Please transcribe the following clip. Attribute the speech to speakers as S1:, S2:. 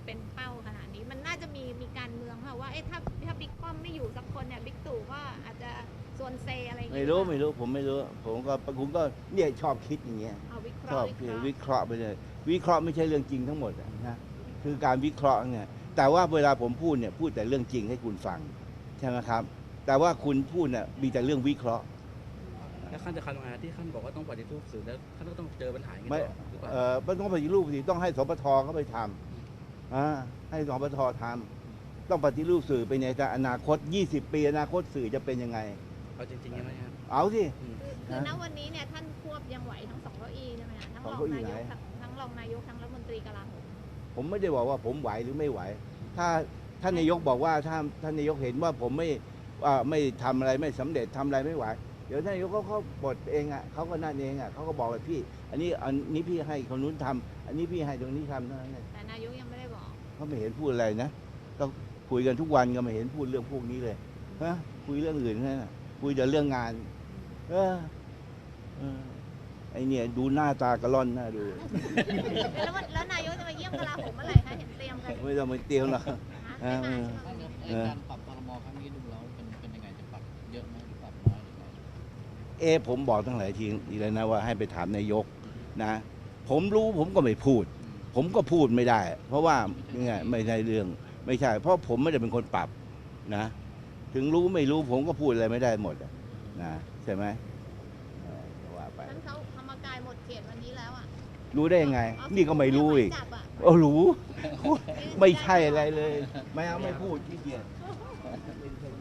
S1: เป็นเป้าขนาดนี้มันน่าจะมีการเมืองค่ะว่าถ้าบิ๊กป้อมไม่อยู่สักคนเนี่ยบิ๊กตู่ก็อาจจะส่วนเซอะไรอย่างเงี้ย
S2: ไม่รู้ผมไม่รู้ผมก็เนี่ยชอบคิดอย่างเงี้ย
S1: เอาวิเค
S2: ชอ
S1: ราะ
S2: บ
S1: ห์
S2: วิเคราะห์ไปเลยวิเคราะห์ไม่ใช่เรื่องจริงทั้งหมดนะคือการวิเคราะห์เนี่ยแต่ว่าเวลาผมพูดเนี่ยพูดแต่เรื่องจริงให้คุณฟังใช่ไหมครับแต่ว่าคุณพูดเนี่ยมีแต่เรื่องวิเคราะห์
S3: แล้วขั้นจะทำยังไงที่ขั้นบอกว่าต้องปฏิรูปสื่อแล้วขั้นก็ต้องเจอปัญหาอย่างนี้
S2: ไม่
S3: ต่อหรือเปล่า
S2: ไม่ต้องปฏิรูปสิต้องให้สปทเขาไปทำให้สปททำต้องปฏิรูปสื่อไปในอนาคต20 ปีอนาคตสื่อจะเป็นยังไง
S3: เอาจริงๆใช่ไหมครับ
S2: เอาสิ
S1: คือณวันนี้เนี่ยท่านควบยังไหวทั้ง2 เก้าอี้ใช่ไหมคะทั้งรอง
S2: สองเก้าอี้
S1: นายก
S2: ไหน
S1: ทั้งรองนายกทั้งรัฐมนตรีกลาโหม
S2: ผมไม่ได้บอกว่าผมไหวหรือไม่ไหวถ้าท่านนายกบอกว่าถ้าท่านนายกเห็นว่าผมไม่ทำอะไรไม่สำเร็จทำอะไรไม่ไหวเดี๋ยวท่านนายกเขาปลดเองเขาก็นั่นเองเขาก็บอกว่าพี่อันนี้พี่ให้คนนู้นทำอันนี้พี่ให้ตรงนี้ทำเท่านั้นเอง
S1: แต่นายกยังไม่ได้บอก
S2: เขาไม่เห็นพูดอะไรนะก็คุยกันทุกวันก็ไม่เห็นพูดเรื่องพวกนี้เลยฮะคุยเรื่องอื่นแค่นั้นคุยแต่เรื่องงานไอเนี่ยดูหน้าตากระล่อนหน้าดู
S1: แล้วนายกจะมาเยี่ยมกลาโหมเมื่อไหร่คะเห็นเตรียมกัน
S2: ไม่ต้องไปเตียวหรอก
S1: ไม่มาใช่ไหม
S4: การปรับครม.ครั้งนี้ดูแล้วเป็นยังไงจะปรับเยอะไหมหรือปรับน้อยหรือไง
S2: ผมบอกตั้งหลายทีเลยนะว่าให้ไปถามนายกนะผมรู้ผมก็ไม่พูด ผมก็พูดไม่ได้ เพราะว่าเนี่ยไม่ใช่เรื่องไม่ใช่ เพราะผมไม่ได้เป็นคนปรับนะ ถึงรู้ไม่รู้ผมก็พูดอะไรไม่ได้หมดนะใช่ไหมว่าไป
S1: ท่านเขาธรรมกายหมดเขตวันนี้แล้วอ่ะ
S2: รู้ได้ยังไง นี่ก็ไม่รู้อีก
S1: จับอะ
S2: รู้ ไม่ใช่อะไรเลย ไม่เอาไม่พูดขี้เกียจ